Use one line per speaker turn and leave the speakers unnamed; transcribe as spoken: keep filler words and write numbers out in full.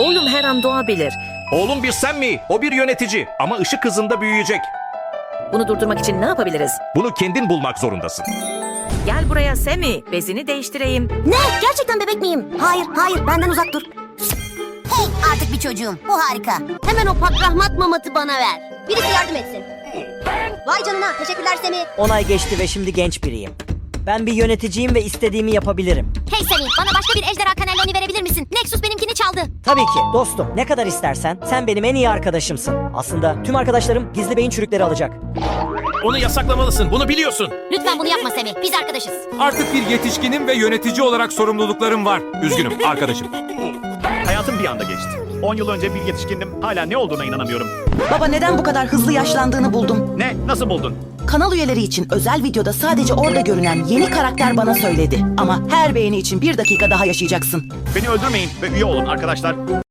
Oğlum her an doğabilir.
Oğlum bir sen mi? O bir yönetici ama ışık hızında büyüyecek.
Bunu durdurmak için ne yapabiliriz?
Bunu kendin bulmak zorundasın.
Gel buraya Semi. Bezini değiştireyim.
Ne? Gerçekten bebek miyim? Hayır, hayır. Benden uzak dur. Hey, artık bir çocuğum. Bu harika. Hemen o pakrahmat mamatı bana ver. Birisi yardım etsin. Vay canına. Teşekkürler Semi.
on ay geçti ve şimdi genç biriyim. Ben bir yöneticiyim ve istediğimi yapabilirim.
Hey Semi, bana başka bir ejderha kanaloni verebilir misin? Nexus benimkini çaldı.
Tabii ki dostum, ne kadar istersen. Sen benim en iyi arkadaşımsın. Aslında tüm arkadaşlarım gizli beyin çürükleri alacak.
Onu yasaklamalısın. Bunu biliyorsun.
Lütfen bunu yapma Semi. Biz arkadaşız.
Artık bir yetişkinim ve yönetici olarak sorumluluklarım var. Üzgünüm arkadaşım.
Hayatım bir anda geçti. on yıl önce bir yetişkindim. Hala ne olduğuna inanamıyorum.
Baba neden bu kadar hızlı yaşlandığını buldum.
Ne? Nasıl buldun?
Kanal üyeleri için özel videoda sadece orada görünen yeni karakter bana söyledi. Ama her beğeni için bir dakika daha yaşayacaksın.
Beni öldürmeyin ve üye olun arkadaşlar.